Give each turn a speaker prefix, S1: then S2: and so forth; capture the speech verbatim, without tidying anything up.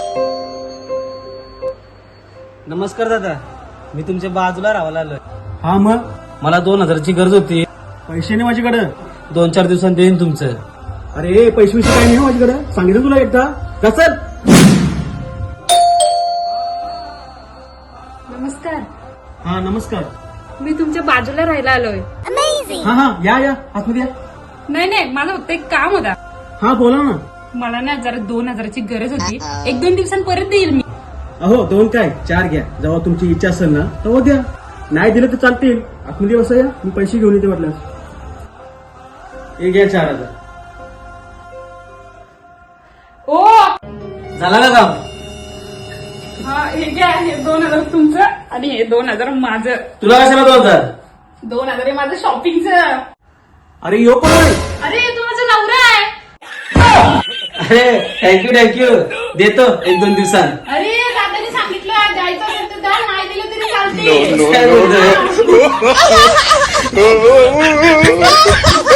S1: नमस्कार दादा, मी तुमच्या बाजूला राहायला आलोय.
S2: हा मग
S1: मला दोन हजाराची गरज होती.
S2: पैसे नाही माझ्याकडे.
S1: दोन चार दिवसांनी देईन तुमचं.
S2: अरे पैसे विषय काय नाही हो माझ्याकडे, सांगितलं तुला एकदा. का चल.
S3: नमस्कार,
S2: हा नमस्कार.
S3: मी तुमच्या बाजूला राहायला आलोय.
S2: हा हा या या आतमध्ये या.
S3: नाही नाही, मला फक्त एक काम होता.
S2: हा बोला ना.
S3: मला ना जरा दोन हजाराची गरज होती. एक दोन दिवसांत परत देईल मी.
S2: अहो दोन काय चार घ्या, जेव्हा तुमची इच्छा असेल ना तेव्हा द्या. नाही दिलं तर चालतील. आतमध्ये बसा या, मी पैसे घेऊन येते म्हटलं. हे घ्या चार हजार.
S3: ओ
S1: झाला का काम?
S3: हा हे घ्या, हे दोन हजार तुमचं आणि हे दोन हजार माझं.
S1: तुला कशाला दोन हजार?
S3: दोन हजार हे माझं शॉपिंगचं.
S2: अरे यो पण नाही.
S3: अरे तू माझा नवरा आहे.
S1: अरे थँक्यू थँक्यू, देतो एक दोन दिवसांत.
S3: अरे दादाने सांगितलं द्यायचं असेल तर द्या, नाही दिलं तरी चालते.
S1: काय बोलतोय?